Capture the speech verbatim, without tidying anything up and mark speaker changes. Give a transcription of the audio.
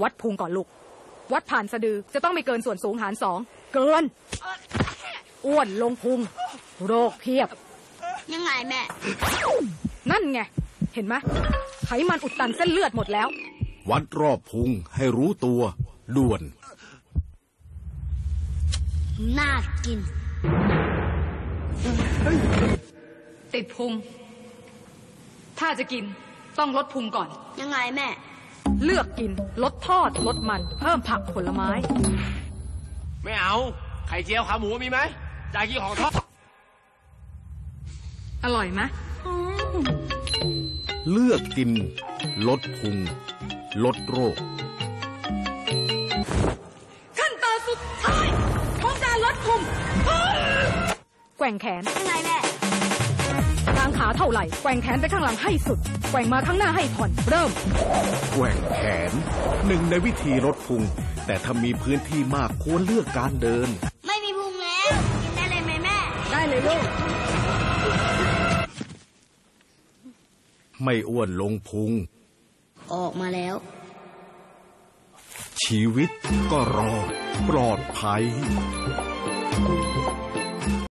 Speaker 1: วัดพุงก่อนลูกวัดผ่านสะดือจะต้องไม่เกินส่วนสูงหารสองเกินอ้วนลงพุงโรคเพียบ
Speaker 2: ยังไงแม่
Speaker 1: นั่นไงเห็นไหมไขมันอุดตันเส้นเลือดหมดแล้ว
Speaker 3: วัดรอบพุงให้รู้ตัวด่วน
Speaker 2: น่ากิน
Speaker 1: ติดพุงถ้าจะกินต้องลดพุงก่อน
Speaker 2: ยังไงแม่
Speaker 1: เลือกกินลดทอดลดมันเพิ่มผักผลไม้
Speaker 4: ไม่เอาไข่เจียวขาหมูมีไหมจ่ายกี่ของทอด
Speaker 1: อร่อยไหม
Speaker 3: เลือกกินลดพุงลดโรค
Speaker 1: ขั้นตอนสุดท้ายของการลดพุงแกว่งแขน
Speaker 2: ยังไงแม่
Speaker 1: กางขาเท่าไหร่แกว่งแขนไปข้างหลังให้สุดแกว่งมาข้างหน้าให้ผ่อนเริ่ม
Speaker 3: แกว่งแขนหนึ่งในวิธีลดพุงแต่ถ้ามีพื้นที่มากควรเลือกการเดิน
Speaker 2: ไม่มีพุงแล้วกินได้เลยไหมแม่
Speaker 1: ได้เลยลูก
Speaker 3: ไม่อ้วนลงพุง
Speaker 2: ออกมาแล้ว
Speaker 3: ชีวิตก็รอดปลอดภัย